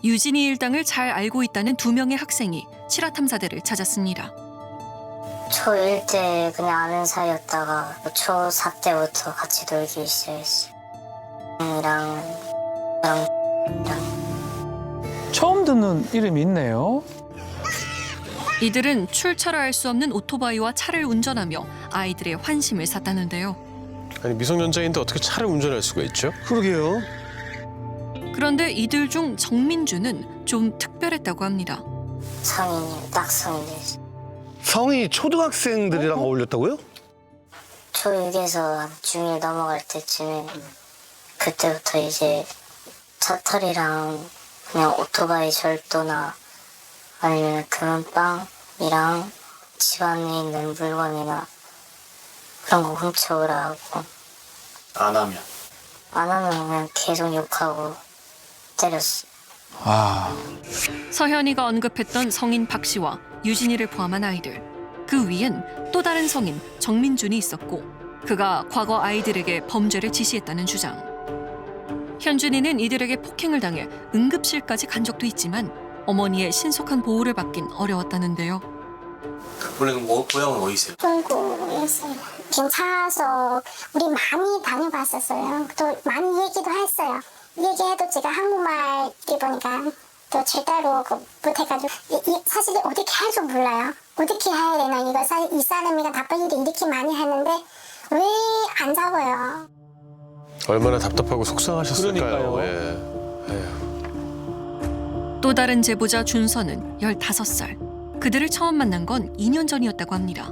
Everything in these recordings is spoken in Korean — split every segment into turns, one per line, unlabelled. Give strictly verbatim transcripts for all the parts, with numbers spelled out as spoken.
유진이 일당을 잘 알고 있다는 두 명의 학생이 실화탐사대를 찾았습니다.
초일 때 그냥 아는 사이였다가 초사 때부터 같이 놀기 시작했어요. 이랑 이랑 이랑
처음 듣는 이름이 있네요.
이들은 출처를 알 수 없는 오토바이와 차를 운전하며 아이들의 환심을 샀다는데요.
아니 미성년자인데 어떻게 차를 운전할 수가 있죠?
그러게요.
그런데 이들 중 정민주는 좀 특별했다고 합니다.
성인이 딱 성인 됐어요.
성이 초등학생들이랑 어울렸다고요?
초육에서 중일 넘어갈 때쯤에 그때부터 이제 차털이랑 그냥 오토바이 절도나 아니면 금은빵이랑 집안에 있는 물건이나 그런 거 훔쳐오라 하고
안 하면?
안 하면 그냥 계속 욕하고 때렸어.
아,
서현이가 언급했던 성인 박 씨와 유진이를 포함한 아이들. 그 위엔 또 다른 성인 정민준이 있었고 그가 과거 아이들에게 범죄를 지시했다는 주장. 현준이는 이들에게 폭행을 당해 응급실까지 간 적도 있지만 어머니의 신속한 보호를 받긴 어려웠다는데요.
원래 그 뭐, 고향은 어디세요?
중국이었어요. 괜찮아서 우리 많이 다녀봤었어요. 또 많이 얘기도 했어요. 얘기해도 제가 한국말 보니까 또 제대로 그 못해가지고 이, 이 사실 어떻게 할줄 몰라요. 어떻게 해야 되나 이거 사, 이 사람이가 나쁜 일을 이렇게 많이 했는데 왜 안 잡아요?
얼마나 답답하고 속상하셨을까요?
그러니까요.
예. 에휴.
또 다른 제보자 준서는 열다섯 살. 그들을 처음 만난 건 이 년 전이었다고 합니다.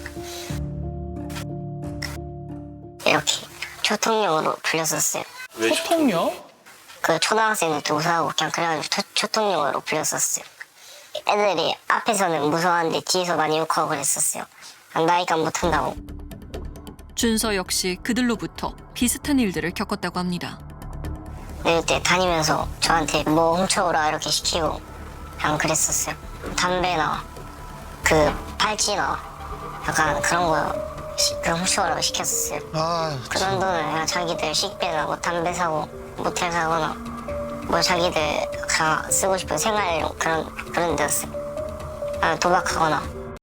이렇게 초통령으로 불렸었어요.
왜
소통요?
그 초등학생들 우사하고 그냥 그래가지고 초, 초통령으로 불렸었어요. 애들이 앞에서는 무서웠는데 뒤에서 많이 욕하고 그랬었어요. 나이가 못한다고.
준서 역시 그들로부터 비슷한 일들을 겪었다고 합니다.
내릴 때 다니면서 저한테 뭐 훔쳐오라 이렇게 시키고 그냥 그랬었어요. 담배나 그 팔찌나 약간 그런 거 시, 그 훔쳐오라고 시켰었어요.
아,
그런 돈을 그냥 자기들 식비나 뭐 담배 사고 모텔 사거나 뭐 자기들 그냥 쓰고 싶은 생활용 그런 그런 데였어요. 아, 도박하거나